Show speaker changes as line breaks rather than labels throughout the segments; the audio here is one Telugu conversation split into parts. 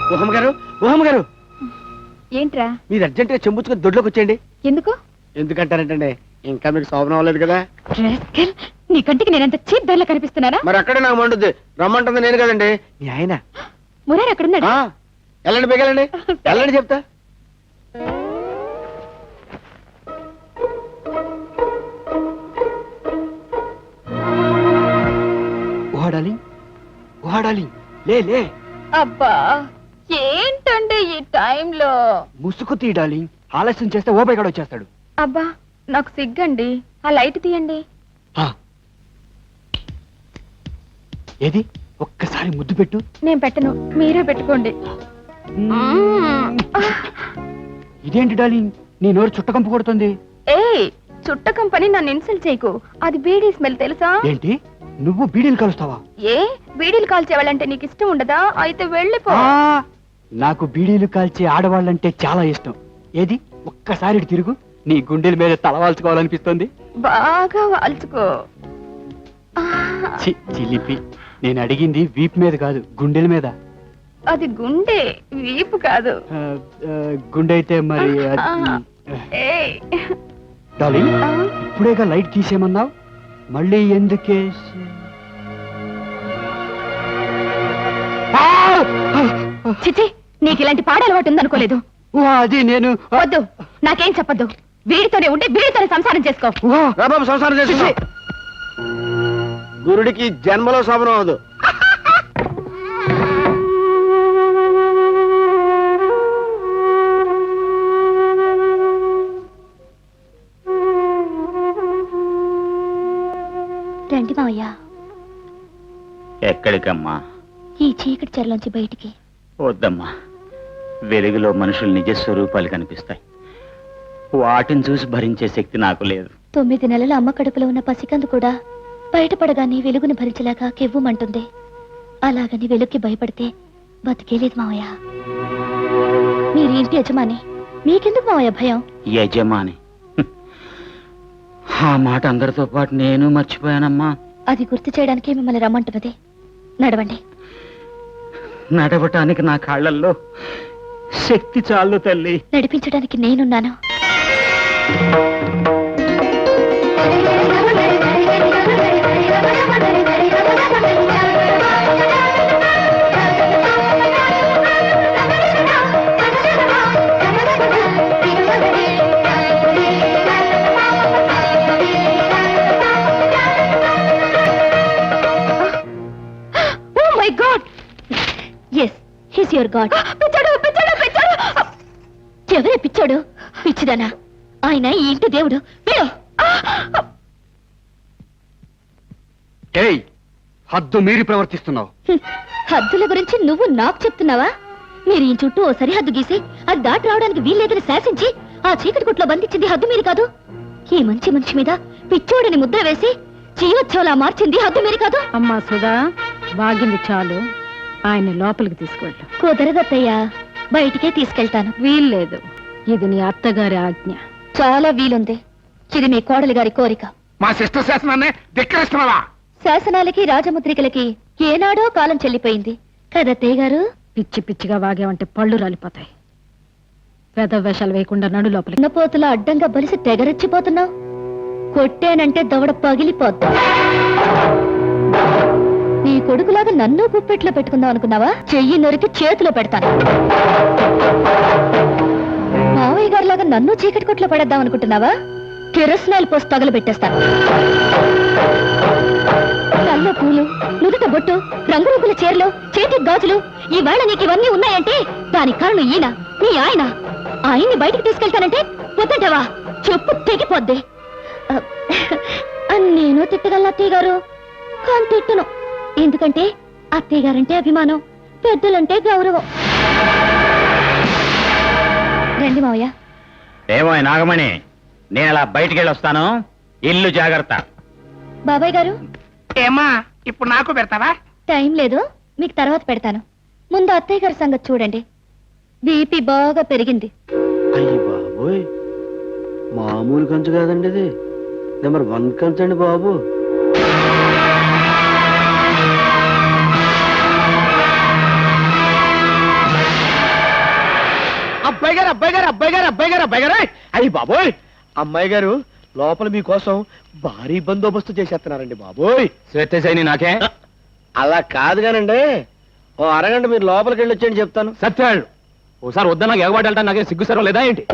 ఊహమ్మ గారు, ఊహమ్మ గారు,
ఏంట్రా?
మీరు అర్జెంట్ గా చెంబుచ్చుకొని దొడ్లోకి వచ్చేయండి.
ఎందుకు?
ఎందుకంటారంటే ఇంకా మీకు శోభనం అవ్వలేదు కదా.
నీ కంటికి నేనంత చీప్ ధరలో కనిపిస్తున్నానా?
మరి అక్కడే నాకు మండుద్ది. రమ్మంటుంది నేను కదండి, మీ ఆయన.
మురారి అక్కడున్నాడు.
వెళ్ళండి, బిగలండి, వెళ్ళండి చెప్తా. ఊహాడాలి, ఊహాడాలి, లే లే.
అబ్బా ఏంటండి ఈ టైంలో?
ముసుగు తీయడాలి, ఆలస్యం చేస్తే ఓపై కూడా వచ్చేస్తాడు.
అబ్బా నాకు సిగ్గండి, ఆ లైట్ తీయండి.
ఏది ఒక్కసారి ముద్దు పెట్టు.
నేను పెట్టను, మీరే పెట్టుకోండి.
ఇదేంటి డార్లింగ్, నీ నోరు చుట్టకంపు కొడుతుంది.
ఏయ్ చుట్టకం పని నన్ను ఇన్సల్ట్ చేయకు. అది బీడీ స్మెల్ తెలుసా?
ఏంటి నువ్వు బీడీలు కలుస్తావా?
ఏ బీడీలు కాల్చేవాళ్ళంటే నీకు ఇష్టం ఉండదా? అయితే వెళ్ళిపో.
నాకు బీడీలు కాల్చే ఆడవాళ్ళంటే చాలా ఇష్టం. ఏది ఒక్కసారి ఇటు తిరుగు, నీ గుండెల మీద తలవాల్చుకోవాలనిపిస్తుంది.
బాగా వాల్చుకో.
చిలిపి, నేను అడిగింది వీపు మీద కాదు, గుండెల మీద.
అది గుండె, వీపు కాదు.
గుండె అయితే మరి డార్లింగ్, ఇప్పుడేగా లైట్ తీసేయమన్నావు, మళ్ళీ ఎందుకే?
చిచి, నీకు ఇలాంటి పాడలవాటు ఉందనుకోలేదు.
అది నేను
వద్దు, నాకేం చెప్పద్దు. వీడితోనే ఉండి వీడితోనే సంసారం చేసుకో.
సంసారం చేసుకో. గురుడికి జన్మలో శోభనం అవదు.
రండి మావయ్య.
ఎక్కడికమ్మా?
ఈ చీకటి చెరలోంచి బయటికి.
వద్దమ్మా, వెలుగులో మనుషులు నిజస్వరూపాలు కనిపిస్తాయి. వాటిని చూసి భరించే శక్తి నాకు లేదు.
9 నెలల అమ్మ కడుపులో ఉన్న పసికందు కూడా బయటపడగానే వెలుగుని భరించలేక కెవ్వుమంటుంది. అలాగని వెలుగుకి భయపడితే బతికేలేదు మావయ్య. మీరు ఇంటి యజమాని, మీకెందుకు మావయ్య భయం?
యజమాని, ఆ మాట అందరితో పాటు నేను మర్చిపోయానమ్మా.
అది గుర్తు చేయడానికి మిమ్మల్ని రమ్మంటున్నది. నడవండి.
నడవటానికి నా కాళ్ళల్లో శక్తి చాలు తల్లి.
నడిపించడానికి నేనున్నాను. ఎవరే పిచ్చాడు? పిచ్చిదానా? ఆయన ఈ ఇంటి దేవుడు.
హద్దు మీరి ప్రవర్తిస్తున్నావు.
హద్దుల గురించి నువ్వు నాకు చెప్తున్నావా? మీరు ఈ చుట్టూ ఓ సరిహద్దు గీసి అది దాటి రావడానికి వీల్లేదని శాసించి ఆ చీకటి గుట్లో బంధించింది హద్దు మీరు కాదు. ఈ మంచి మనిషి మీద పిచ్చోడని ముద్ర వేసి జీవోత్సవలా మార్చింది హద్దు మీరు కాదు.
అమ్మా సుధా, వాగింది చాలు, ఆయన లోపలికి తీసుకెళ్ళు.
కుదరదత్తయ్యా, బయటికే తీసుకెళ్తాను.
వీల్లేదు, ఇది నీ అత్తగారి ఆజ్ఞ.
చాలా వీలుంది. ఇది మీ కోడలి గారి కోరిక.
మా సిస్టర్ శాసనాన్ని ధిక్కరిస్తున్నావా?
శాసనాలకి రాజముద్రికలకి ఏనాడో కాలం చెల్లిపోయింది కదత్తయ్య గారు.
పిచ్చి పిచ్చిగా వాగేవంటే పళ్ళు రాలిపోతాయి. పెద్ద వేషాలు వేయకుండా నడు లోపలికి.
ఉన్నపోతులా అడ్డంగా బలిసి తెగరెచ్చిపోతున్నావు. కొట్టేనంటే దవడ పగిలిపోద్దా. నీ కొడుకులాగా నన్ను గుప్పెట్లో పెట్టుకుందాం అనుకున్నావా? చెయ్యి నొరికి చేతిలో పెడతాను. మావయ్య గారిలాగా నన్ను చీకటి కొట్లో పడేద్దాం అనుకుంటున్నావా? కిరసనాయిల్ పోసి తగలబెట్టేస్తాను. తల్లో పూలు, నుదుట బొట్టు, రంగురంగుల చీరలు, చేతికి గాజులు, ఈ వేళ నీకు ఇవన్నీ ఉన్నాయంటే దానికి కారణం ఈయన, నీ ఆయన. ఆయన్ని బయటికి తీసుకెళ్తానంటే వద్దంటావా? చెప్పు తెగిపోద్ది. నేను తిట్టగలను అత్తయ్య గారు, కానీ తిట్టను. ఎందుకంటే అత్తయ్య గారంటే అభిమానం, పెద్దలంటే గౌరవం. రండి మావయ్య.
ఏమో నాగమణి, నేను అలా బయటికి వెళ్ళొస్తాను, ఇల్లు జాగ్రత్త.
బాబాయ్ గారు.
ఏమా ఇప్పుడు నాకు పెడతావా?
టైం లేదు, మీకు తర్వాత పెడతాను. ముందు అత్తయ్య గారి సంగతి చూడండి. బీపీ బాగా పెరిగింది.
అయ్యి బాబోయ్, మామూలు కంచు కాదండి, ఇది నెంబర్ 1 కంచండి బాబు.
అబ్బాయి గారు అబ్బాయి గారు అబ్బాయి గారు అబ్బాయి గారు అబ్బాయి గారు అయ్యి బాబోయ్ అమ్మాయి గారు లోపల మీకోసం భారీ బందోబస్తు చేసేస్తున్నారండి బాబోయ్.
శ్వేతశైని నాకే
అలా కాదు కానండి ఓ అరగంట మీరు లోపలికి వెళ్ళి వచ్చేయండి చెప్తాను.
సత్యాళ్ళు ఓసారి వద్దా నాకు ఎగబాటు వెళ్తా నాకే సిగ్గు సర్వ లేదా ఏంటి?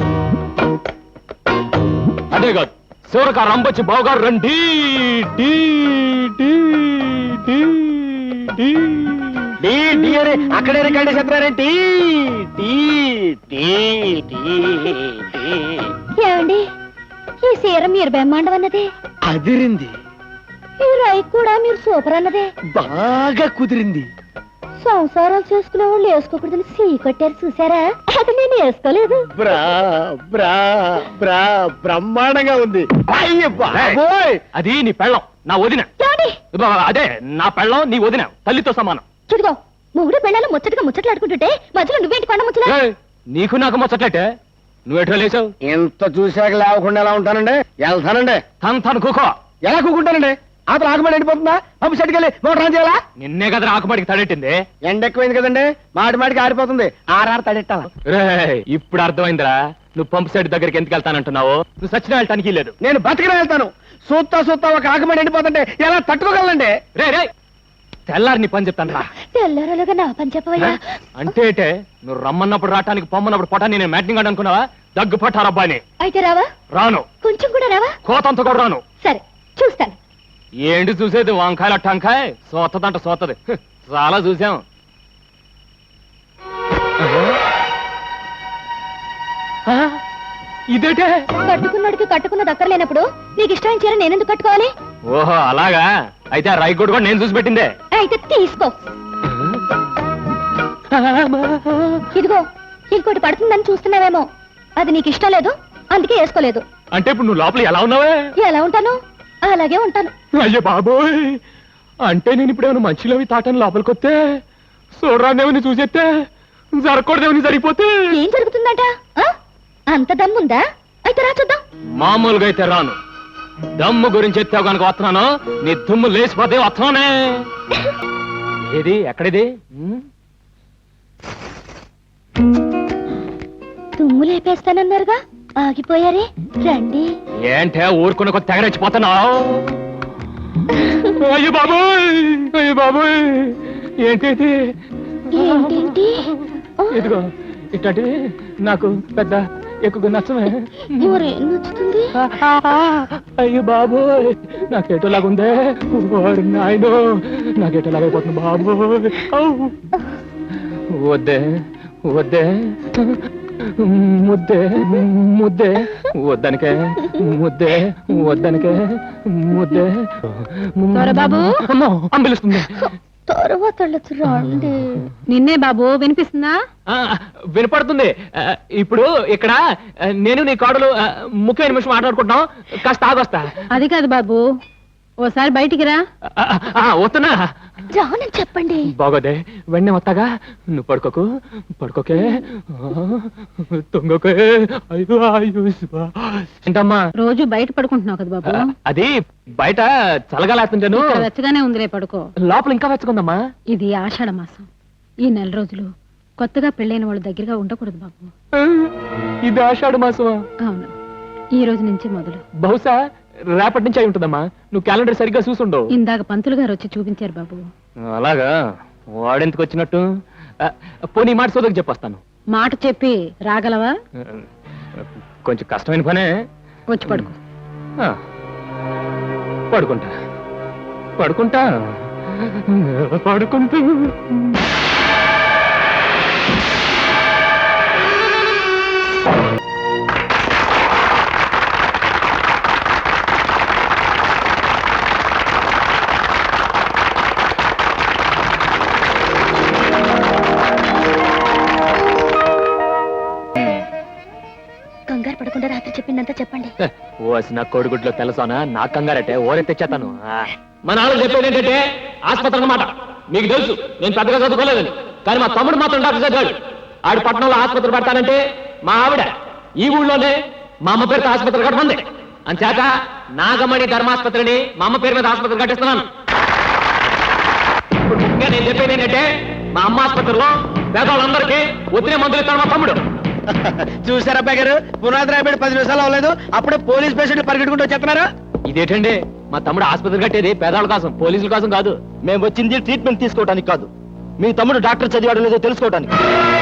అదే కాదు శివరక రంబొచ్చి బావగారు రండి tea, tea, tea, tea.
Tea tea అని అక్కడే రికార్డు చెప్తున్నారేంటి? టీ టీ టీ టీ
ఏమండి ఈ సీర మీరు బ్రహ్మాండం అన్నదే,
అదిరింది,
ఈ రై కూడా మీరు సూపర్ అన్నదే.
బాగా కుదిరింది.
సంసారాలు చేసుకునే వాళ్ళు వేసుకోకూడదని సీ కట్టారు చూసారా? అది నేను వేసుకోలేదు.
బ్రా బ్రా బ్రా బ్రహ్మాండంగా ఉంది. అయ్య బాబోయ్
అది నీ పెళ్ళం నా వదిన.
ఏమండి?
అదే నా పెళ్ళం నీ వదిన తల్లితో సమానం.
చూడుకో మూడు పెళ్ళాలు ముచ్చటగా ముచ్చట్లాడుకుంటుంటే మధ్యలో నువ్వేంటి కొండ ముచ్చలా?
ఏయ్, నీకు నాకు ముచ్చట్లేటే నువ్వెట్లా లేచావు?
ఎంత చూశాక లేవకుండా ఎలా ఉంటానండి? వెళ్తానండి.
తను కూకో.
ఎలా కూకుంటానండి? అతను ఆకుమడి ఎండిపోతుందా? పంపు సెట్కి వెళ్ళి మోటార్ ఆన్ చేయాలా?
నిన్నే కదా ఆకుమాడికి తడెట్టింది.
ఎండ ఎక్కువైంది కదండి, మాటి మాటికి ఆరిపోతుంది. ఆరారు తడెట్టాలా?
రేయ్, ఇప్పుడు అర్థమైందిరా నువ్వు పంపు సెట్ దగ్గరికి ఎందుకు వెళ్తానంటున్నావు. నువ్వు సచిన వెళ్ళటానికి లేదు.
నేను బతికిన వెళ్తాను. సూత్తా సూత్తా ఒక ఆకుమడి ఎండిపోతుంటే ఎలా తట్టుకోగలండి?
రే రే తెల్లారి నీ పని చెప్తాను రా.
తెల్లరలుగా నా పని చెప్పవయ్యా.
అంటే ఏటే, నువ్వు రమ్మన్నప్పుడు రావటానికి పొమ్మన్నప్పుడు పొటాన్ని నేను మ్యాటింగ్ అనుకున్నావా? దగ్గు పట్టారబ్బాని.
అయితే రావా?
రాను.
కొంచెం కూడా రావా?
కోతంత కూడా రాను.
సరే చూస్తాను.
ఏంటి చూసేది? వంకాయల టంకాయ సోతదంట సోతది. చాలా చూసాం. ఆ? ఇదేటే?
కట్టుకున్నాడికి కట్టుకున్న దక్కర్లేనప్పుడు నీకు ఇష్టమైన చీర నేనెందుకు కట్టుకోవాలి?
ఓహో అలాగా. అయితే ఆ రైకోడ్ కూడా నేను చూసి పెట్టిందే.
అయితే తీసుకో. ఇదిగో ఇంకోటి పడుతుందని చూస్తున్నావేమో, అది నీకు ఇష్టం లేదు అందుకే వేసుకోలేదు.
అంటే ఇప్పుడు నువ్వు లోపల ఎలా ఉన్నావే?
ఎలా ఉంటాను అలాగే ఉంటాను.
అయ్యో బాబోయ్, అంటే నేను ఇప్పుడేమైనా మంచిలోవి తాటాను లోపలికి వస్తే చూడరాదేమని చూసేస్తే జరగకూడదేమని జరిగిపోతే
ఏం జరుగుతుందట? ఆ? అంత దమ్ముందా? అయితే రా చూద్దాం.
మామూలుగా అయితే రాను. దమ్ము గురించి ఎత్తావు కనుక వస్తున్నాను. నీ దుమ్ము లేచిపోతే వస్తున్నానే. ఏది ఎక్కడిది?
దుమ్ము లేపేస్తానన్నారుగా, ఆగిపోయారే. రండి.
ఏంటే ఊరుకున్న కొద్ది తెగరెచ్చిపోతున్నావు? అయ్యో బాబోయ్, అయ్యో బాబోయ్, ఏంటి
ఏంటేంటి? ఆ,
ఇదిగో ఇట్లాంటివి నాకు పెద్ద ఎక్కువ నచ్చమే.
మరేం నచ్చుతుంది?
అయ్యో బాబోయ్, నాకేటోలాగుందే. ఓరి నాయనో, నాకేటోలాగైపోతుంది బాబోయ్. ఔ. వద్దే వద్దే ముద్దే ముద్దే వద్దనికే ముద్దే వద్దనికే ముద్దే.
బాబు
అమ్మో అంబిలుస్తుంది.
తర్వాత వెళ్ళొచ్చు, రండి.
నిన్నే బాబు వినిపిస్తుందా?
ఆ, వినపడుతుంది. ఇప్పుడు ఇక్కడ నేను నీ కోడలు ముఖ్యమైన నిమిషం మాట్లాడుకుంటున్నాం. కాస్త ఆగొస్తా.
అది కాదు బాబు, ఓసారి బయటికి రా.
వస్తున్నా.
రానని చెప్పండి.
బాగోదే, వెంటనే వస్తాగా. నువ్వు పడుకోకు, పడుకోకే, తొంగకే. అయ్యో అయ్యో ఏంటమ్మా?
రోజు బయట పడుకుంటున్నావు కదా బాబు.
అది బయట చల్లగాలేస్తుంటాను.
ఇక్కడ వెచ్చగానే ఉందిలే, పడుకో.
లోపల ఇంకా వెచ్చకుందమ్మా.
ఇది ఆషాఢ మాసం. ఈ నెల రోజులు కొత్తగా పెళ్ళైన వాళ్ళ దగ్గరగా ఉండకూడదు బాబు.
ఇది ఆషాఢ మాసమా?
అవును, ఈ రోజు నుంచి మొదలు.
బహుశా రేపటి నుంచి అయి ఉంటుందమ్మా. నువ్వు క్యాలెండర్ సరిగ్గా చూసుండవు.
ఇందాక పంతులు గారు వచ్చి చూపించారు బాబు.
అలాగా? వాడెందుకు వచ్చినట్టు? పోనీ మాట సోదరికి చెప్పొస్తాను.
మాట చెప్పి రాగలవా?
కొంచెం కష్టమైన పనే.
వచ్చి పడుకో.
పడుకుంటా పడుకుంటా పడుకుంటూ.
కంగారు పడకుండా రాత్రి చెప్పిందంతా చెప్పండి.
ఓసిన కోడిగుడ్లో తెలసానా నా కంగారటే ఓరే తెచ్చేతాను. మా నాన్న చెప్పేది ఏంటంటే ఆసుపత్రి అన్నమాట. మీకు తెలుసు నేను పెద్దగా చదువుకోలేదని, కానీ మా తమ్ముడు మాత్రం డాక్టర్ చదివాడు. ఆడు పట్టణంలో ఆసుపత్రి పెడతానంటే మా ఆవిడ ఈ ఊళ్ళోనే మా అమ్మ పేరుతో ఆసుపత్రి కట్టమంది. అంచేత నాగమణి ధర్మాసుపత్రిని మా అమ్మ పేరు మీద ఆసుపత్రి కట్టిస్తున్నాను. ఇప్పుడు ముఖ్యంగా నేను చెప్పేది ఏంటంటే మా అమ్మ ఆసుపత్రిలో పేదవాళ్ళందరికీ ఒత్తిడి మందులు ఇస్తాడు మా తమ్ముడు.
చూసారా అబ్బాయి గారు, పునాది రాబడి 10 నిమిషాలు అవ్వలేదు, అప్పుడే పోలీస్ పేషెంట్లు పరిగెట్టుకుంటూ వచ్చేస్తున్నారు.
ఇదేంటండి మా తమ్ముడు ఆసుపత్రి కట్టేది పేదవాళ్ళ కోసం, పోలీసుల కోసం కాదు.
మేము వచ్చింది ట్రీట్మెంట్ తీసుకోవడానికి కాదు, మీ తమ్ముడు డాక్టర్ చదివాడో లేదో తెలుసుకోవడానికి.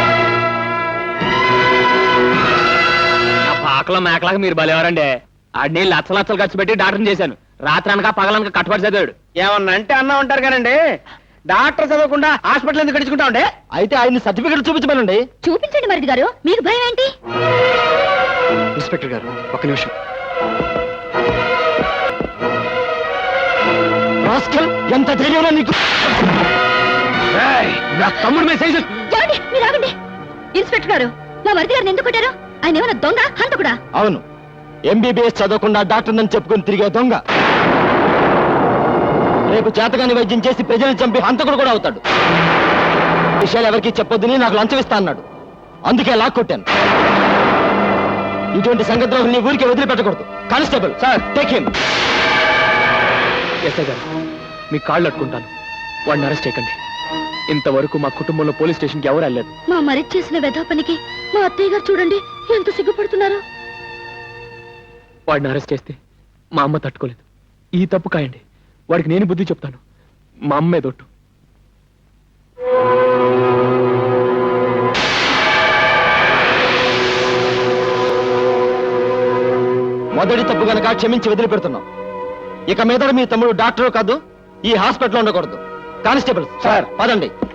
నా పాకలో మేకలాగా మీరు బలేవారండి. ఆడిని లక్షలు ఖర్చు పెట్టి డాక్టర్ని చేశాను. రాత్రి అనక పగలనక కట్టుబడి చదివాడు.
ఏమన్నా అంటే అన్నా ఉంటారు కానండి, డాక్టర్ చదవకుండా హాస్పిటల్ ఎందుకు గడుచుకుంటా ఉండే? అయితే ఆయన సర్టిఫికెట్ చూపించమనండి.
చూపించండి మరిది గారు, మీకు భయం ఏంటి?
ఇన్స్పెక్టర్ గారు ఒక్క నిమిషం. రాస్కల్, ఎంత ధైర్యంలో నీకు!
నా తమ్ముడు మీద సైజు.
ఏమండి, మీరు ఆగండి. ఇన్స్పెక్టర్ గారు, మా మరిది గారిని ఎందుకు కొట్టారు? ఆయన ఏమైనా దొంగ హంతకుడా?
అవును, ఎంబీబీఎస్ చదవకుండా డాక్టర్ నన్ను చెప్పుకొని తిరిగే దొంగ. రేపు చేతగాని వైద్యం చేసి ప్రజలను చంపి హంతకుడు కూడా అవుతాడు. విషయాలు ఎవరికి చెప్పొద్దని నాకు లంచం ఇస్తా అన్నాడు, అందుకే లాక్కొట్టాను. ఇటువంటి సంగద్రోహుల్ని ఊరికే వదిలిపెట్టకూడదు. Constable sir, take him.
S I గారు, మీ కాళ్ళు అట్టుకుంటాను, వాడిని అరెస్ట్ చేయకండి. ఇంతవరకు మా కుటుంబంలో పోలీస్ స్టేషన్కి ఎవరు వెళ్ళలేదు.
మా మరిది చేసిన వెధా పనికి మా అత్తయ్య గారు చూడండి ఎంత సిగ్గుపడుతున్నారు.
వాడిని అరెస్ట్ చేస్తే మా అమ్మ తట్టుకోలేదు. ఈ తప్పు కాయండి, వాడికి నేను బుద్ధి చెప్తాను. మా అమ్మే దొట్టు.
మొదటి తప్పు గనక క్షమించి వదిలిపెడుతున్నాం. ఇక మీద మీ తమ్ముడు డాక్టర్ కాదు, ఈ హాస్పిటల్లో ఉండకూడదు. కానిస్టేబుల్ సార్, పదండి.